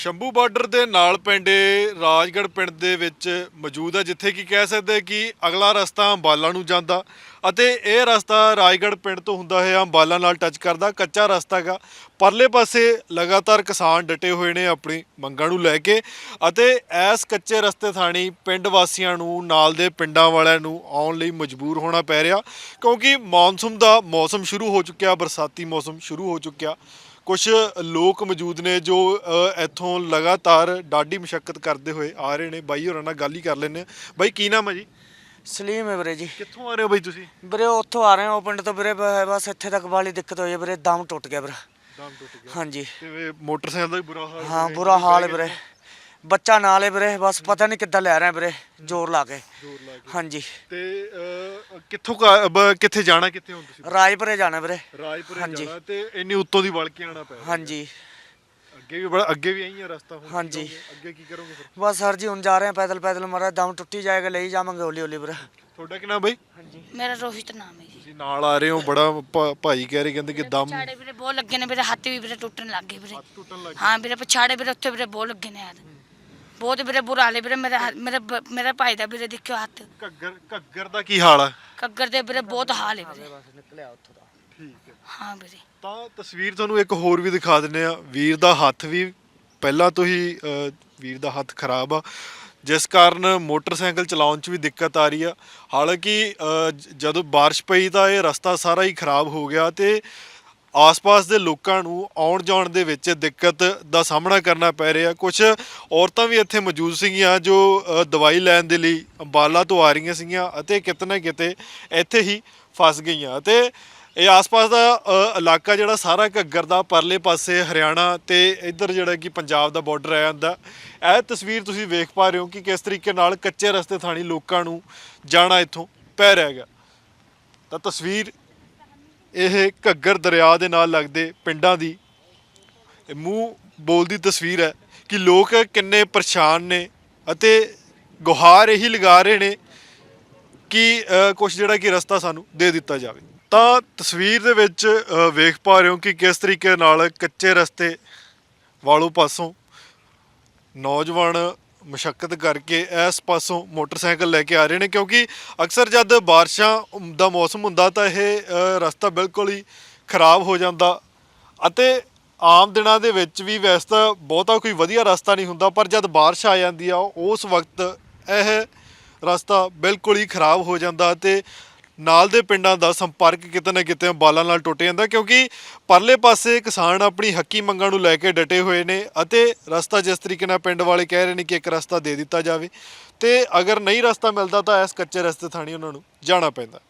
Shambhu border ਦੇ ਨਾਲ ਪੈਂਦੇ ਰਾਜਗੜ੍ਹ ਪਿੰਡ ਦੇ ਵਿੱਚ ਮੌਜੂਦ ਹੈ, ਜਿੱਥੇ ਕਿ ਕਹਿ ਸਕਦੇ ਕਿ ਅਗਲਾ ਰਸਤਾ ਅੰਬਾਲਾ ਨੂੰ ਜਾਂਦਾ ਅਤੇ ਇਹ ਰਸਤਾ ਰਾਜਗੜ੍ਹ ਪਿੰਡ ਤੋਂ ਹੁੰਦਾ ਹੋਇਆ ਅੰਬਾਲਾ ਨਾਲ ਟੱਚ ਕਰਦਾ। ਕੱਚਾ ਰਸਤਾ ਹੈਗਾ। ਪਰਲੇ ਪਾਸੇ ਲਗਾਤਾਰ ਕਿਸਾਨ ਡਟੇ ਹੋਏ ਨੇ ਆਪਣੀ ਮੰਗਾਂ ਨੂੰ ਲੈ ਕੇ ਅਤੇ ਇਸ ਕੱਚੇ ਰਸਤੇ ਥਾਣੀ ਪਿੰਡ ਵਾਸੀਆਂ ਨੂੰ ਨਾਲ ਦੇ ਪਿੰਡਾਂ ਵਾਲਿਆਂ ਨੂੰ ਆਉਣ ਲਈ ਮਜਬੂਰ ਹੋਣਾ ਪੈ ਰਿਹਾ, ਕਿਉਂਕਿ ਮੌਨਸੂਨ ਦਾ ਮੌਸਮ ਸ਼ੁਰੂ ਹੋ ਚੁੱਕਿਆ, ਬਰਸਾਤੀ ਮੌਸਮ ਸ਼ੁਰੂ ਹੋ ਚੁੱਕਿਆ। ਕੁਛ ਲੋਕ ਮੌਜੂਦ ਨੇ ਜੋ ਇੱਥੋਂ ਲਗਾਤਾਰ ਡਾਢੀ ਮੁਸ਼ੱਕਤ ਕਰਦੇ ਹੋਏ ਆ ਰਹੇ ਨੇ। ਬਾਈ ਹੋਰਾਂ ਨਾਲ ਗੱਲ ਹੀ ਕਰ ਲੈਂਦੇ ਹਾਂ। ਬਾਈ ਕੀ ਨਾਮ ਹੈ ਜੀ? ਸਲੀਮ ਹੈ ਵੀਰੇ ਜੀ। ਕਿੱਥੋਂ ਆ ਰਹੇ ਹੋ ਬਾਈ ਤੁਸੀਂ? ਵੀਰੇ ਉੱਥੋਂ ਆ ਰਹੇ ਹਾਂ, ਉਹ ਪਿੰਡ ਤੋਂ ਵੀਰੇ ਬਸ ਇੱਥੇ ਤੱਕ ਵਾਲੀ ਦਿੱਕਤ ਹੋਈ ਹੈ ਵੀਰੇ, ਦਮ ਟੁੱਟ ਗਿਆ ਵੀਰੇ। ਦਮ ਟੁੱਟ ਗਿਆ? ਹਾਂਜੀ। ਤੇ ਮੋਟਰਸਾਈਕਲ ਦਾ ਵੀ ਬੁਰਾ ਹਾਲ? ਹਾਂ ਬੁਰਾ ਹਾਲ ਹੈ ਵੀਰੇ, ਬੱਚਾ ਨਾਲ ਹੈ ਵੀਰੇ, ਬਸ ਪਤਾ ਨਹੀਂ ਕਿੱਦਾਂ ਲੈ ਰਹੇ ਵੀਰੇ, ਜ਼ੋਰ ਲਾ ਕੇ। ਹਾਂਜੀ। ਤੇ ਕਿੱਥੋਂ ਕਿੱਥੇ ਜਾਣਾ, ਕਿੱਥੇ ਹੁਣ ਤੁਸੀਂ? ਰਾਜਪੁਰੇ ਜਾਣਾ ਵੀਰੇ। ਰਾਜਪੁਰੇ ਜਾਣਾ ਤੇ ਇੰਨੀ ਉੱਤੋਂ ਦੀ ਵਲ ਕੇ ਆਉਣਾ ਪੈ ਰਿਹਾ। ਹਾਂਜੀ। ਅੱਗੇ ਵੀ ਆਈ ਹੈ ਰਸਤਾ ਹੁਣ? ਹਾਂਜੀ। ਅੱਗੇ ਕੀ ਕਰੋਗੇ ਫਿਰ? ਬਸ ਸਰ ਜੀ ਹੁਣ ਜਾ ਰਹੇ ਹਾਂ ਪੈਦਲ ਪੈਦਲ, ਮਾਰਾ ਦਮ ਟੁੱਟੀ ਜਾਏਗਾ, ਲਈ ਜਾਵਾਂਗੇ ਹੌਲੀ ਹੌਲੀ ਵੀਰੇ। ਤੁਹਾਡਾ ਕੀ ਨਾਮ ਬਾਈ? ਹਾਂਜੀ ਮੇਰਾ ਰੋਹਿਤ ਨਾਮ ਹੈ ਜੀ। ਤੁਸੀਂ ਨਾਲ ਆ ਰਹੇ ਹੋ, ਬੜਾ ਭਾਈ ਕਹਿ ਰਹੇ, ਕਹਿੰਦੇ ਕਿ ਦਮ ਪਛਾੜੇ ਵੀਰੇ ਬਹੁਤ ਲੱਗੇ ਨੇ, ਮੇਰੇ ਹੱਥ ਵੀ ਵੀਰੇ ਟੁੱਟਣ ਲੱਗ ਗਏ ਵੀਰੇ। ਟੁੱਟਣ ਲੱਗ ਹਾਂ ਵੀਰੇ ਪਛਾੜੇ ਵੀਰੇ ਉੱਥੇ ਵੀਰੇ ਬਹੁਤ ਲੱਗੇ ਨੇ ਯਾਰ, ਬਹੁਤ ਵੀਰੇ ਬੁਰਾ ਹਾਲ ਹੈ ਵੀਰੇ। ਮੇਰੇ ਭਾਈ ਦਾ ਵੀਰੇ ਦੇਖਿਓ ਹੱਥ। ਘੱਗਰ ਦਾ ਕੀ ਹਾਲ ਆ? ਕੱਗਰ ਦੇ ਵੀਰੇ ਬਹੁਤ ਹਾਲ ਹੈ ਵੀਰੇ। ਨਿਕਲਿਆ ਉੱਥੋਂ ਦਾ। ਠੀਕ ਹੈ। ਹਾਂ ਵੀਰੇ। ਤਾਂ ਤਸਵੀਰ ਤੁਹਾਨੂੰ ਇੱਕ ਹੋਰ ਵੀ ਦਿਖਾ ਦਿੰਦੇ ਆ। ਵੀਰ ਦਾ ਹੱਥ ਵੀ ਪਹਿਲਾਂ ਤੋਂ ਹੀ ਵੀਰ ਦਾ ਹੱਥ ਖਰਾਬ ਆ, ਜਿਸ ਕਾਰਨ ਮੋਟਰਸਾਈਕਲ ਚਲਾਉਣ 'ਚ ਵੀ ਦਿੱਕਤ ਆ ਰਹੀ ਆ। ਹਾਲਾਂਕਿ ਜਦੋਂ ਬਾਰਿਸ਼ ਪਈ ਤਾਂ ਇਹ ਰਸਤਾ ਸਾਰਾ ਹੀ ਖਰਾਬ ਹੋ ਗਿਆ ਤੇ ਆਸ-ਪਾਸ ਦੇ ਲੋਕਾਂ ਨੂੰ ਆਉਣ ਜਾਣ ਦੇ ਵਿੱਚ ਦਿੱਕਤ ਦਾ ਸਾਹਮਣਾ ਕਰਨਾ ਪੈ ਰਿਹਾ। ਕੁਝ ਔਰਤਾਂ ਵੀ ਇੱਥੇ ਮੌਜੂਦ ਸੀਗੀਆਂ ਜੋ ਦਵਾਈ ਲੈਣ ਦੇ ਲਈ ਅੰਬਾਲਾ ਤੋਂ ਆ ਰਹੀਆਂ ਸੀਗੀਆਂ ਅਤੇ ਕਿਤੇ ਨਾ ਕਿਤੇ ਇੱਥੇ ਹੀ ਫਸ ਗਈਆਂ। ਅਤੇ ਇਹ ਆਸ-ਪਾਸ ਦਾ ਇਲਾਕਾ ਜਿਹੜਾ ਸਾਰਾ ਘੱਗਰ ਦਾ, ਪਰਲੇ ਪਾਸੇ ਹਰਿਆਣਾ ਤੇ ਇੱਧਰ ਜਿਹੜਾ ਕਿ ਪੰਜਾਬ ਦਾ ਬਾਰਡਰ ਆ ਜਾਂਦਾ। ਇਹ ਤਸਵੀਰ ਤੁਸੀਂ ਵੇਖ ਪਾ ਰਹੇ ਹੋ ਕਿ ਕਿਸ ਤਰੀਕੇ ਨਾਲ ਕੱਚੇ ਰਸਤੇ ਥਾਣੀ ਲੋਕਾਂ ਨੂੰ ਜਾਣਾ ਇੱਥੋਂ ਪੈ ਰਿਹਾ ਹੈਗਾ। ਤਾਂ ਤਸਵੀਰ ਇਹ ਘੱਗਰ ਦਰਿਆ ਦੇ ਨਾਲ ਲੱਗਦੇ ਪਿੰਡਾਂ ਦੀ ਮੂੰਹ ਬੋਲਦੀ ਤਸਵੀਰ ਹੈ ਕਿ ਲੋਕ ਕਿੰਨੇ ਪਰੇਸ਼ਾਨ ਨੇ ਅਤੇ ਗੁਹਾਰ ਇਹੀ ਲਗਾ ਰਹੇ ਨੇ ਕਿ ਕੁਛ ਜਿਹੜਾ ਕਿ ਰਸਤਾ ਸਾਨੂੰ ਦੇ ਦਿੱਤਾ ਜਾਵੇ। ਤਾਂ ਤਸਵੀਰ ਦੇ ਵਿੱਚ ਵੇਖ ਪਾ ਰਹੇ ਹੋ ਕਿ ਕਿਸ ਤਰੀਕੇ ਨਾਲ ਕੱਚੇ ਰਸਤੇ ਵਾਲੋਂ ਪਾਸੋਂ ਨੌਜਵਾਨ ਮੁਸ਼ੱਕਤ ਕਰਕੇ ਇਸ ਪਾਸੋਂ ਮੋਟਰਸਾਈਕਲ ਲੈ ਕੇ ਆ ਰਹੇ ਨੇ, ਕਿਉਂਕਿ ਅਕਸਰ ਜਦ ਬਾਰਿਸ਼ਾਂ ਦਾ ਮੌਸਮ ਹੁੰਦਾ ਤਾਂ ਇਹ ਰਸਤਾ ਬਿਲਕੁਲ ਹੀ ਖਰਾਬ ਹੋ ਜਾਂਦਾ ਅਤੇ ਆਮ ਦਿਨਾਂ ਦੇ ਵਿੱਚ ਵੀ ਵੈਸੇ ਤਾਂ ਬਹੁਤਾ ਕੋਈ ਵਧੀਆ ਰਸਤਾ ਨਹੀਂ ਹੁੰਦਾ, ਪਰ ਜਦ ਬਾਰਿਸ਼ ਆ ਜਾਂਦੀ ਆ ਉਸ ਵਕਤ ਇਹ ਰਸਤਾ ਬਿਲਕੁਲ ਹੀ ਖਰਾਬ ਹੋ ਜਾਂਦਾ ਅਤੇ ਨਾਲ ਦੇ ਪਿੰਡਾਂ ਦਾ ਸੰਪਰਕ ਕਿਤੇ ਨਾ ਕਿਤੇ ਅੰਬਾਲਾ ਨਾਲ ਟੁੱਟ ਜਾਂਦਾ, ਕਿਉਂਕਿ ਪਰਲੇ ਪਾਸੇ ਕਿਸਾਨ ਆਪਣੀ ਹੱਕੀ ਮੰਗਾਂ ਨੂੰ ਲੈ ਕੇ ਡਟੇ ਹੋਏ ਨੇ ਅਤੇ ਰਸਤਾ ਜਿਸ ਤਰੀਕੇ ਨਾਲ ਪਿੰਡ ਵਾਲੇ ਕਹਿ ਰਹੇ ਨੇ ਕਿ ਇੱਕ ਰਸਤਾ ਦੇ ਦਿੱਤਾ ਜਾਵੇ ਤੇ ਅਗਰ ਨਹੀਂ ਰਸਤਾ ਮਿਲਦਾ ਤਾਂ ਇਸ ਕੱਚੇ ਰਸਤੇ ਥਾਣੀ ਉਹਨਾਂ ਨੂੰ ਜਾਣਾ ਪੈਂਦਾ।